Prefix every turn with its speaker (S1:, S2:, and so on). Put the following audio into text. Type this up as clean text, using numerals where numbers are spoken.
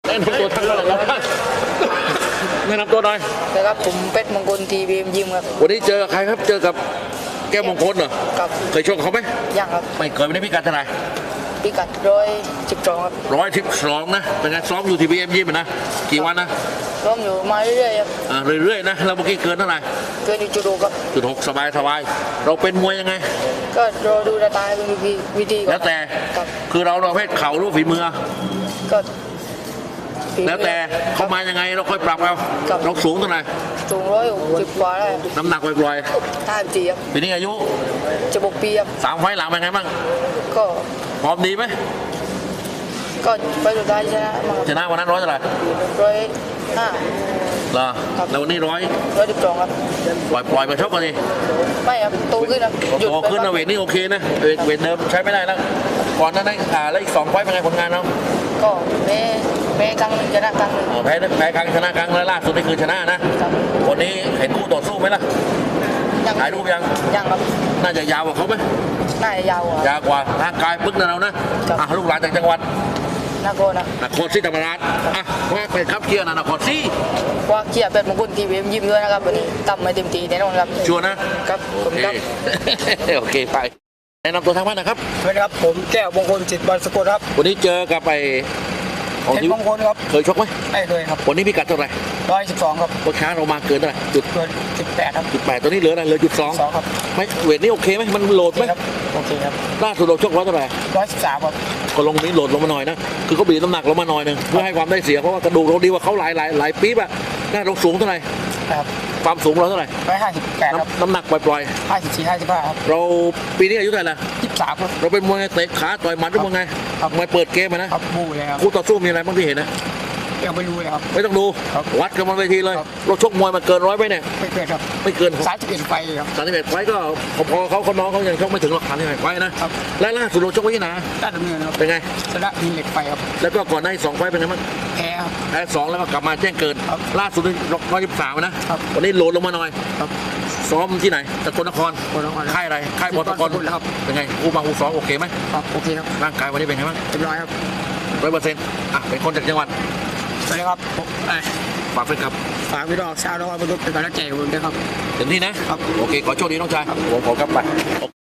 S1: แนะนำตัวทั้งหมดแล้วแนะนำตัวหน่อย
S2: นะครับผมเป็ดมงคลทีบีเอ็มยิมครับ
S1: วันนี้เจอใครครับเจอกับแก้วมงคลเหรอ
S2: ครับ
S1: เคยชกเขาไหม
S2: ยังครับ
S1: ไม่เคยไม่ได้พิกัดเท่าไหร่
S2: พิกัด112ครับ
S1: 112นะเป็นไงซ้อมอยู่ที่บีเอ็มยิมนะกี่วันนะ
S2: ซ้อมอยู่มาเรื่อยๆครับ
S1: เรื่อยๆนะเราเมื่อกี้เกินเท่าไหร่
S2: เกินจุด6ครับ
S1: จุด6สบายเราเป็นมวยยังไง
S2: ก็รอดูสไตล์เป็นวิธี
S1: แล้วแต่คือเราประเภทเข่าหรือฝีมือ
S2: ก็
S1: แล้วแต่เขามายังไงเราค่อยปรับเราสูงเท่าไหร่
S2: สูง160กว่าได้
S1: น้ำหนักปล่อย
S2: 54ครับ
S1: ปีนี้อายุ
S2: จะ6 ปีครับ
S1: 3 ไฟล์หลังเป็นไงบ้าง
S2: ก็
S1: พร้อมดีไหม
S2: ก็ไปสุดท้าย
S1: ชนะวันนั้น100เท่าไหร่
S2: 105
S1: เหรอแล้ววันนี้
S2: 112ครับ
S1: ปล่อยมาชกกันดิ
S2: ไม่ครับโตขึ้นนะ
S1: โตขึ้นนะเวทนี่โอเคนะเวทเดิมใช้ไม่ได้แล้วก่อนนั้นแล้วอีก2 ไฟล์เป็นไงผลงานเรา
S2: ก็แพ้ครั้งนึงชนะครั้งนึง
S1: แพ้ครั้งชนะครั้งแล้วล่าสุดนี่คือชนะนะวันนี้เห็นคู่ต่อสู้ไหมล่ะถ่ายรูปยัง
S2: ครับ
S1: น่าจะยาวกว่าเขาไหม
S2: น่าจะยาว
S1: กว่าร่างกายปึ๊กนะเรานะลูกหลานจากจังหวัด
S2: นคร
S1: ศรีธรรมราชว่าไปครับเชียร์นครศรี
S2: ว่าเชียร์เป็ดมงคลทีวียิ้มด้วยนะครับวันนี้ตั้มมาเต็มที่แน่นอนครับ
S1: ชัวร์นะครับโอเคไปแนะนำตัวทางบ้านนะครับ
S2: สวัสดีครับผมแก้วมงคลจิตบอลสกุลครับ
S1: วันนี้เจอกับไป
S2: เพชรมงคลครับ
S1: เคยชกไหม
S2: ไม่เคยครับ
S1: วันนี้พิกัดเท่าไหร่
S2: 112ครับ
S1: วันช้าเรามาเกินเท่าไหร่
S2: เกิน18ครับ
S1: 18ตัวนี้เหลืออะไรเหลือ
S2: 2ครับ
S1: ไม่เวทนี้โอเคไหมมันโหลดไหม
S2: โอเคครับ
S1: ล่าสุดเราชกเท่าไหร่
S2: 113ครับ
S1: ก็ลงนี้โหลดลงมาหน่อยนะคือเขาบีบน้ำหนักลงมาหน่อยนึงเพื่อให้ความได้เสียเพราะว่ากระดูกเราดีกว่าเขาหลายปี๊บอะน่าเราสูงเท่าไหร่
S2: ครับ
S1: ความสูงเราเท่าไหร่
S2: 158ครับ
S1: น้ำหนักปล่อย
S2: 54 55ครับ
S1: เราปีนี้อายุเท่าไหร่ละ
S2: 23ครับ
S1: เราเป็นมวยเตะขาต่อยหมัดหรือมวยไงมวยเปิดเกมนะครับ
S2: บูเลยครับ
S1: คู่ต่อสู้มีอะไรบ้างที่เห็นนะ
S2: ยังไม่รู้เลยครับ
S1: ไม่ต้องดูวัดกันบนเวทีเลยเราชกมวยมาเกิน100ไปเนี่ย
S2: ไม่เกินครับ
S1: ไม่เกิน
S2: 31ไฟครับ
S1: 31ไฟก็พอเขาน้องเขายังชกไม่ถึงหรอก31ไฟนะครับและล่าสุดเราชกไว้ที่ไหน
S2: ได้ดำเนินครับ
S1: เป็นไง
S2: ชนะดินเหล็กไฟครับ
S1: แล้วก็ก่อนหน้าอีก2 ไฟเป็นไงบ้าง
S2: แพ้ครับ
S1: แพ้2แล้วก็กลับมาแจ้งเกินล่าสุด123นะวันนี้โหลดลงมาหน่อยซ้อมที่ไหนสกลนครค่ายอะไรค่ายบอลตะกอนเป็นไงคู่บางคู่ซ้อมโอเคไหม
S2: โอเคครับ
S1: ร่างกายวันนี้เป็นไงบ้าง
S2: เรียบร้อยครับ
S1: 100%เป็นคนจากจังหวัด
S2: สวัสดีครับ
S1: ฝากเพื่อนครับ
S2: ฝากพี่น้องชาวน้องบรรทุกเป็นกำลังใจผมด้วยครับ
S1: เต็มที่นะครับโอเคขอโชคดีน้องชายผมขอกลับไป